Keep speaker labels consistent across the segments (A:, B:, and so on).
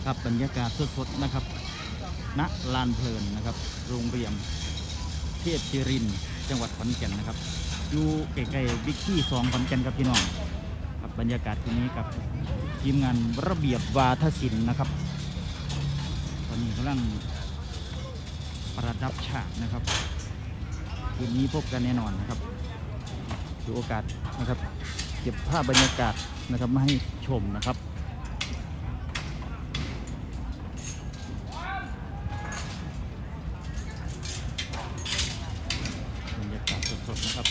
A: ครับบรรยากาศสดๆนะครับณลานเพลินนะครับโรงเรียนเทพศิรินทร์จังหวัดขอนแก่นนะครับอยู่ใกล้ๆบิ๊กซี่2ขอนแก่นครับพี่น้องครับบรรยากาศที่นี้กับทีมงานระเบียบวาทศิลป์นะครับตอนนี้กำลังประดับฉากนะครับคืนนี้พบกันแน่นอนนะครับถือโอกาสนะครับเก็บภาพบรรยากาศนะครับมาให้ชมนะครับบรรยากาศสดๆนะครับ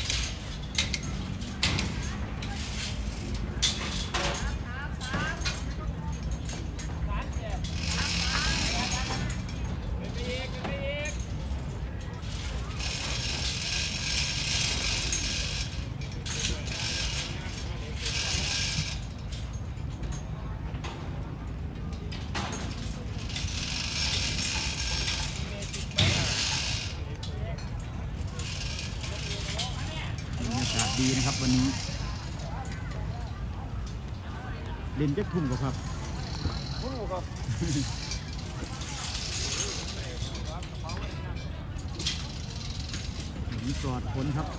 A: ดีนะครับวันนี้เล่นจักทุ่มครับมีปลอดฝนครับ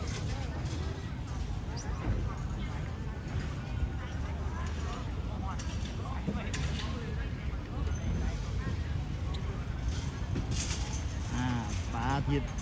A: ปลาทิศ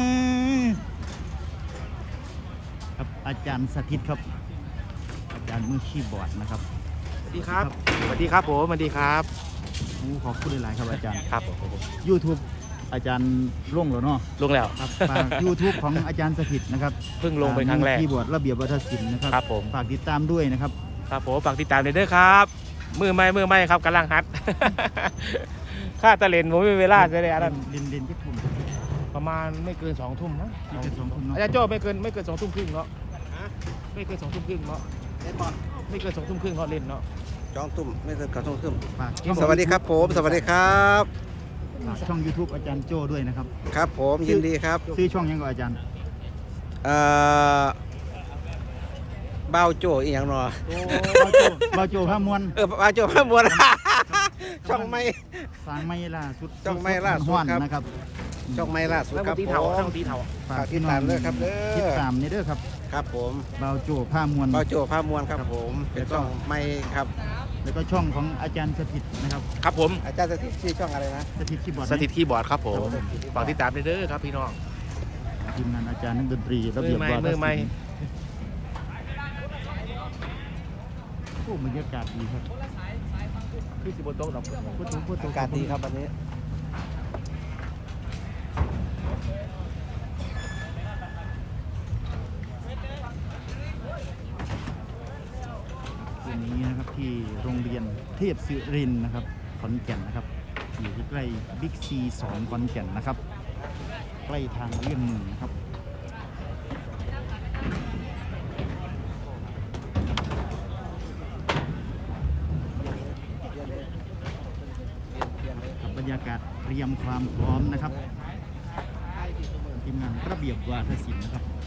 A: ครับอาจารย์สถิตครับอาจารย์มือคีย์บอร์ดนะครับ
B: สวัสดีครับสวัสดีครับผมสวัสดีครับ
A: ขอบคุณหลายๆครับอาจารย์
B: ครับผม
A: YouTube อาจารย์ลงแล้วเนาะ
B: ลงแล้ว
A: ครับฝาก YouTube ของอาจารย์สถิตนะครับ
B: เพิ่งลงไปครั้งแรก
A: คีย์บอร์ดระเบียบวัฒนศิลป์นะครับ
B: ครับผม
A: ฝากติดตามด้วยนะครับ
B: ครับผมฝากติดตามเลยด้วยครับมือไม่ครับกำลังฮัดค่าตะเลนผมไม่มีเวลาจะได้อะไร
A: เล่นที่ทุ่ม
B: ประมาณไม่เกิน2 ทุ่มนะ
A: ไม่เกิน2 ทุ่มเนาะ
B: อาจารย์โจ้ไม่เกิน2 ทุ่มครึ่งเนาะไม่เกิน2 ทุ่มครึ่งเนาะ
C: เล่นบอล
B: ไม่เกิน2 ทุ่มครึ่งเนาะเล่นเนาะ
C: 2 ทุ่มไม่เกิน2 ทุ่ม
A: ส
C: วัสดีครับผมสวัสดีครับ
A: ช่อง YouTube อาจารย์โจ้ด้วยนะครับ
C: ครับผมยินดีครับ
A: ชื่อช่องยังไงอาจารย์
C: เบ้าโจ้อีกอย่างหนอ
A: เบาโจ้ผ้ามวน
C: เบ้าโจ้พระมวลช่องไม่
A: สางไม่ล่าสุด
C: ช่องไม่ล่าสุด
A: นะครับ
C: ช่องไม่ล่าสุดครับผม
B: ช่องตีเถา
A: ฝากติดตามด้วยครับติดตามนี่ด้วยครับ
C: ครับผม
A: เบาโจ้ผ้ามวน
C: เบ้าโจ้พระมวลครับผมเป็นช่องไม่ครับ
A: แล้วก็ช่องของอาจารย์สถิตนะครับ
B: ครับผม
C: อาจารย์สถิตชื่อช่องอะไรนะ
A: สถิตคีย์บอร์ด
B: ครับผมฝากติดตามเด้อครับพี่น้อง
A: ทีมงานอาจารย์นักดนตรีระเบียบวาทศิลป์บรรยากาศดีครับ
B: คือสิบโต๊ะดอก
C: พูดถึงการดีครับวันนี้
A: คืนนี้นะครับที่โรงเรียนเทพศิรินทร์นะครับขอนแก่นนะครับอยู่ใกล้บิ๊กซี2ขอนแก่นนะครับใกล้ทางเลี่ยงเมืองนะครับบรรยากาศเตรียมความพร้อมนะครับทีมงานระเบียบวาทศิลป์นะครับ